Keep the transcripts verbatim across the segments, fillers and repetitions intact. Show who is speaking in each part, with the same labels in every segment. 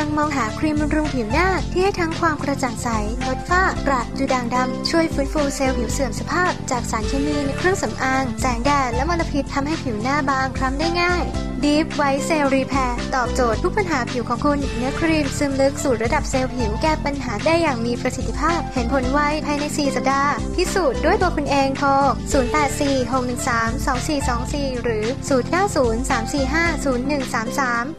Speaker 1: ลังมองหาครีมบำรุงผิวหน้าที่ให้ทั้งความกระจ่างใสลดฝ้ากระดูด่างดำช่วยฟื้นฟูเซลล์ผิวเสื่อมสภาพจากสารเคมีในเครื่องสำอางแสงแดดและมลพิษทำให้ผิวหน้าบางคล้ำได้ง่าย Deep White Cell Repair ตอบโจทย์ทุกปัญหาผิวของคุณเนื้อครีมซึมลึกสู่ระดับเซลล์ผิวแก้ปัญหาได้อย่างมีประสิทธิภาพเห็นผลไวภายในสี่สัปดาห์พิสูจน์ด้วยตัวคุณเองโทรศูนย์ แปด สี่ หก หนึ่ง สาม สอง สี่ สอง สี่หรือศูนย์ เก้า ศูนย์ สาม สี่ ห้า ศูนย์ หนึ่ง สาม สาม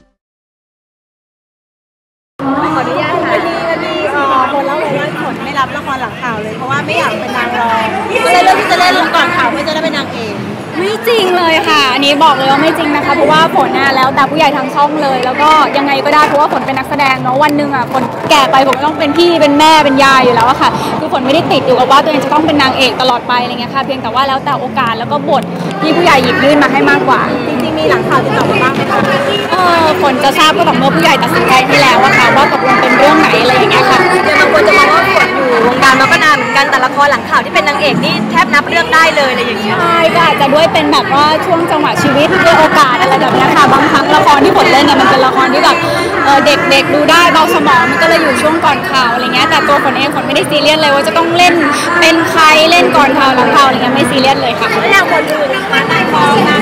Speaker 2: ขออนุญาตค่ะวันนี้วันนี้คนเล่าเลยว่าผลไม่รับละครหลังข่าวเลยเพราะว่าไม่อยากเป็นนางรองก็เลยเลือกที่จะเล่นก่อนข่าวเพื่อจะได้เป็นนางเอก
Speaker 3: ไม่จริงเลยค่ะอันนี้บอกเลยว่าไม่จริงนะคะเพราะว่าฝนน่ะแล้วแต่ผู้ใหญ่ทางช่องเลยแล้วก็ยังไงก็ได้เพราะว่าฝนเป็นนักแสดงเนาะวันหนึ่งอ่ะฝนแก่ไปผมต้องเป็นพี่เป็นแม่เป็นยายอยู่แล้วอะค่ะคือฝนไม่ได้ติดอยู่กับว่าตัวเองจะต้องเป็นนางเอกตลอดไปอะไรเงี้ยค่ะเพียงแต่ว่าแล้วแต่โอกาสแล้วก็บทที่ผู้ใหญ่หยิบยื่นมาให้มากกว่า
Speaker 2: จริงๆมีหลังข่าวติดต่อมาบ้างไหมคะ
Speaker 3: เออฝนจะทราบก็ต่อเมื่อผู้ใหญ่ตัดสินใจให้แล้วอะค่ะว่าตกลงเป็นเรื่องไหนอะไรอย่างเงี้ยค่ะ
Speaker 2: เดี๋ยวบางคนจะมองว่าฝนอยู่วงการมาก็นานเหมือนกันแต่ละครหลังข่าวที่เป็นนางเอกนี่แทบนับเรื่องได้เลยอะไรอย่างเงี้ย
Speaker 3: ใช่ก็อาจจะด้วยเป็นแบบว่าช่วงจังหวะชีวิตด้วยโอกาสอะไรแบบนี้ค่ะบางครั้งละครที่ฝนเล่นเนี่ยมันเป็นละครที่แบบเด็กๆดูได้เบาสมองมันก็เลยอยู่ช่วงก่อนข่าวอะไรเงี้ยแต่ตัวฝนเองฝนไม่ได้ซีเรียสเลยว่าจะต้องเล่นเป็นใครเล่นก่อนข่าวหลังข่าวอะไรเงี้ยไม่ซีเรียสเลยค่ะ
Speaker 2: ไม่อยากคนอื่นมาได้มองนะ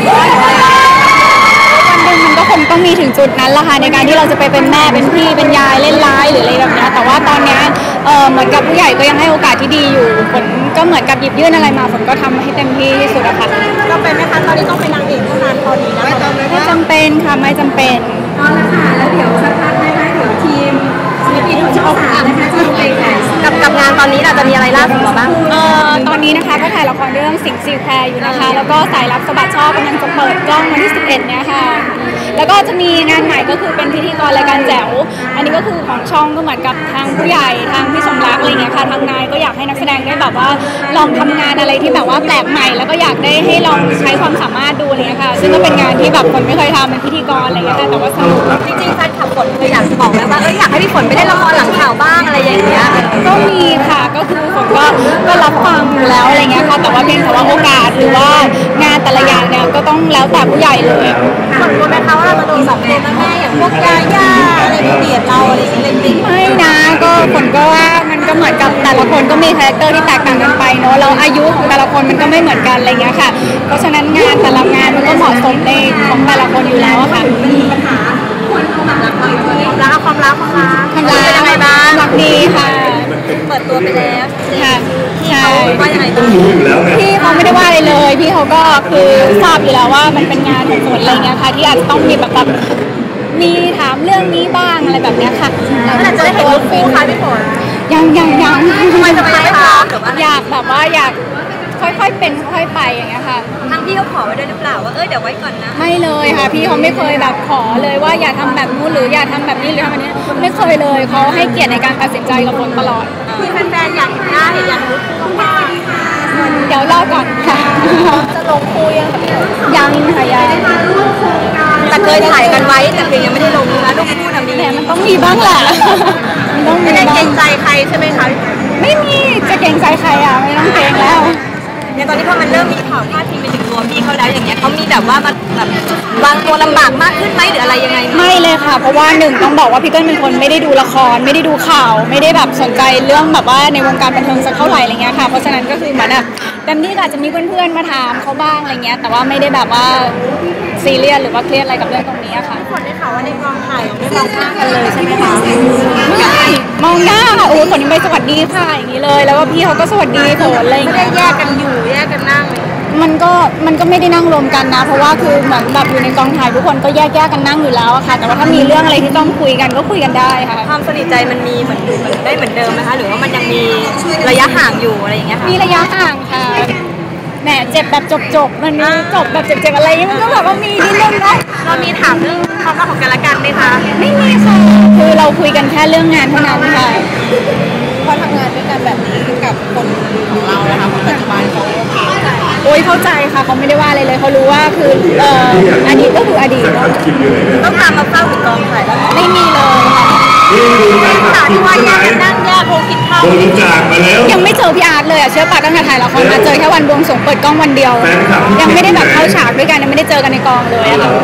Speaker 3: วันหนึ่งมันก็คงต้องมีถึงจุดนั้นละค่ะในการที่เราจะไปเป็นแม่เป็นพี่เป็นยายเล่นร้ายหรืออะไรแบบนี้แต่ว่าตอนนี้เหมือนกับผู้ใหญ่ก็ยังให้โอกาสที่ดีอยู่ฝนก็เหมือนกับหยิบยื่นอะไรมาฝนก็ทำให้เต็มที่ที่สุดอะค่ะ
Speaker 2: เราเป็นไหมคะตอนนี้ต้องเป็นนางเอกเท่านั้นตอนนี้นะ
Speaker 3: ไม่จำเป็นค่ะไม่จำเป็น
Speaker 2: เอาละค่ะแล้วเดี๋ยวสักพักนะคะเดี๋ยวทีมศิลปินของช่องสามนะคะจะไปแข่งกับกับงานตอนนี้เราจะมีอะไรล่าสุดบ้าง
Speaker 3: เอ่อตอนนี้นะคะก็ถ่ายละครเรื่องสิงห์ซีแพรอยู่นะคะแล้วก็สายลับสะบัดช่อกำลังจะเปิดกล้องวันที่สิบเอ็ดเนี่ยค่ะแล้วก็จะมีงานใหม่ก็คือเป็นพิธีกรรายการแจ๋วอันนี้ก็คือของช่องก็เหมือนกับทางผู้ใหญ่ทางพี่สมรักอะไรเงี้ยค่ะทางนายก็อยากให้นักแสดงได้แบบว่าลองทำงานอะไรที่แบบว่าแปลกใหม่แล้วก็อยากได้ให้ลองใช้ความสามารถดูอะไรเงี้ยค่ะซึ่งก็เป็นงานที่แบบคนไม่เคยทำเป็นพิธีกรอะไรเงี้ยแต่ว่าสนุก
Speaker 2: จริงๆแฟนคลับฝนเคยอยากบอกไหมว่าเอออยากให้พี่ฝนไปได้ละครหลังข่าวบ้างอะไรอย่างเงี้ย
Speaker 3: ก็มีค่ะก็คือฝนก็ก็รับฟังอยู่แล้วอะไรเงี้ยค่ะแต่ว่าเพียงแต่ว่าโอกาสหรือว่างานแต่ละอย่างเนี่ยก็ต้องแล้วแต่ผู้ใหญ่เลย
Speaker 2: ฝนรู้ไหมคะว่าเราจะโดนแบบตัวแม่อย่างพวกยาย่าอะไรมาเบียดเราอะไรสิ่งเล็กๆ
Speaker 3: ไม่นะก็ฝนก็ว่ามันก็เหมือนกับแต่ละคนก็มีคาแรคเตอร์ที่แตกต่างกันไปเนาะเราอายุของแต่ละคนมันก็ไม่เหมือนกันอะไรเงี้ยค่ะเพราะฉะนั้นงานแต่ละงานมันก็เหมาะสมในของแต่ละคนอยู่แล้วค่ะ
Speaker 2: มีปัญหาคนเข้ามารักเราความรักความรักความรักเป็นยังไงบ้าง
Speaker 3: รักดีค่ะ
Speaker 2: เปิดตัวไปแล้ว
Speaker 3: ค่ะใช่
Speaker 2: ว่ายังไงบ้าง
Speaker 3: พี่เขาไม่ได้ว่าอะไรเลยพี่เขาก็คือทราบอยู่แล้วว่ามันเป็นงานของฝนอะไรเงี้ยค่ะที่อาจจะต้องมีแบบแบบมีถามเรื่องนี้บ้างอะไรแบบนี้ค่ะ
Speaker 2: แล้วอาจจะได้เห็นรูปคู่ค่ะพี่ฝน
Speaker 3: ยังยังยัง
Speaker 2: ทำไมจะไม่ได้คะ
Speaker 3: อยากแบบว่าอยากค่อยๆเป็นค่อยๆไปอย่างเงี้ยค่ะ
Speaker 2: ทางพี่เขาขอไว้ด้วยหรือเปล่าว่าเออเดี๋ยวไว้ก่อนนะ
Speaker 3: ไม่เลยค่ะพี่เขาไม่เคยแบบขอเลยว่าอย่าทำแบบนู้นหรืออย่าทำแบบนี้หรือทำแบบนี้ไม่เคยเลยเขาให้เกียรติในการตัดสินใจกับฝนตลอด
Speaker 2: คือแฟนๆอยากเห็นหน้าเห็นอยากรู้คู่บ้าง
Speaker 3: เดี๋ยวรอก่อนค่ะ
Speaker 2: จะลงคู่ยัง
Speaker 3: ยังค่ะยัง
Speaker 2: แต่เคยถ่ายกันไว้แต่เพียงยังไม่ได้ลงนะลูกคู่นะมี
Speaker 3: แต่มันต้องมีบ้างแหละ
Speaker 2: มันต้องไม่ได้เกรงใจใครใช่ไหมคะ
Speaker 3: ไม่มีจะเกรงใจใครอ่ะไม่ต้องเกรงแล้ว
Speaker 2: เนี่ยตอนนี้พอมันเริ่มมีข่าวพาดพิงไปถึงตัวพี่เขาแล้วอย่างเงี้ยเขามีแบบว่ามันแบบวางตัวลำบากมากขึ้นไหมหรืออะไรยังไง
Speaker 3: ไม่เลยค่ะเพราะว่าหนึ่งต้องบอกว่าพี่เกิ้ลเป็นคนไม่ได้ดูละครไม่ได้ดูข่าวไม่ได้แบบสนใจเรื่องแบบว่าในวงการบันเทิงสักเท่าไหร่อะไรเงี้ยค่ะเพราะฉะนั้นก็คือเหมือนแบบเต็มที่อาจจะมีเพื่อนๆมาถามเขาบ้างอะไรเงี้ยแต่ว่าไม่ได้แบบว่าซีเรียสหรือว่าเครียดอะไรกับเรื่องตรงนี้ค่ะ
Speaker 2: ทุกคนได้ข่าวว่าในกองถ่ายไม่มองหน้ากันเลยใช่ไหมคะ
Speaker 3: ไม่มองหน้าค่ะโอ้คนนี้ไปสวัสดีค่ะอย่างนี้เลยแล้วก็พี่เขาก็สวัสดีโผล่อะไร
Speaker 2: ไม่ได้แยกกันอยู่แยกกันนั่ง
Speaker 3: มันก็มันก็ไม่ได้นั่งรวมกันนะเพราะว่าคือเหมือนแบบอยู่ในกองถ่ายทุกคนก็แยกแยกกันนั่งอยู่แล้วอะค่ะแต่ว่าถ้ามีเรื่องอะไรที่ต้องคุยกันก็คุยกันได้ค่ะ
Speaker 2: ความสนิทใจมันมีเหมือนได้เหมือนเดิมไหมคะหรือว่ามันยังมีระยะห่างอยู่อะไรอย่างเงี้ยค่ะ
Speaker 3: มีระยะห่างค่ะแหมเจ็บแบบจบๆมันมีจบแบบเจ็บๆอะไรมันก็แบบว่ามีนิดนึงนะ
Speaker 2: เรามีถามเรื่องความรักของกันและกันไหมคะ
Speaker 3: ไม่มีค่ะคือเราคุยกันแค่เรื่องงานเท่านั้นค่ะ
Speaker 2: พอทำงานด้วยกันแบบนี้กับคนของเรานะคะคนปัจจุบันเขาโอเค
Speaker 3: โอ้ยเข้าใจค่ะเขาไม่ได้ว่าอะไรเลยเขารู้ว่าคือเอ่ออดีตก็คืออดีต
Speaker 2: ต้องตามมาเฝ้าถึงกองถ่ายแล้ว
Speaker 3: ไม่มีเลยค่ะ
Speaker 2: ค่ะที่ว่าแยกกันนั่งแยกโพกินข้าว
Speaker 3: ยังไม่เจอพี่อาร์ตเลยอ่ะเชื่อป่ะตั้งแต่ถ่ายละครมาเจอแค่วันบวงสรวงเปิดกล้องวันเดียวยังไม่ได้แบบเข้าฉากด้วยกันยังไม่ได้เจอกันในกองเลยอะค่ะ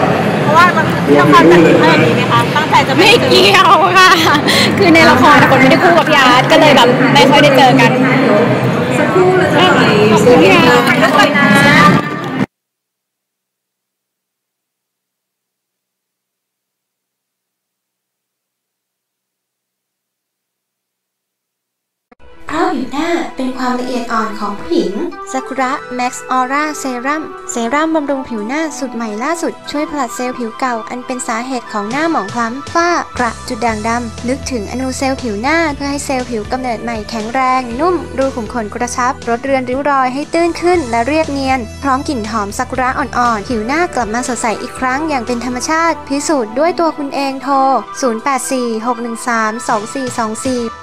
Speaker 2: ราะว่าละครจัดถึงขนาดนี้ไหมคะตั้งใจจะ
Speaker 3: ไม่เกี่ยวค่ะ คือในละครคนไม่ได้คู่กับพี่อาร์ตก็เลยแบบไม่ค่อยได้เจอกันสักครู่เลยขอบคุณพี่อาร์ตขอบคุณนะ
Speaker 1: เพราะผิวหน้าเป็นความละเอียดอ่อนของผู้หญิงซากุระแม็กซ์ออร่าเซรั่มเซรั่มบำรุงผิวหน้าสูตรใหม่ล่าสุดช่วยผลัดเซลล์ผิวเก่าอันเป็นสาเหตุของหน้าหมองคล้ำฝ้ากระจุดด่างดำนึกถึงอนูเซลล์ผิวหน้าเพื่อให้เซลล์ผิวกำเนิดใหม่แข็งแรงนุ่มรูขุมขนกระชับลดเรือนริ้วรอยให้ตื้นขึ้นและเรียบเนียนพร้อมกลิ่นหอมซากุระอ่อนๆผิวหน้ากลับมาสดใสอีกครั้งอย่างเป็นธรรมชาติพิสูจน์ด้วยตัวคุณเองโทรศูนย์ แปด สี่ หก หนึ่ง สาม สอง สี่ สอง สี่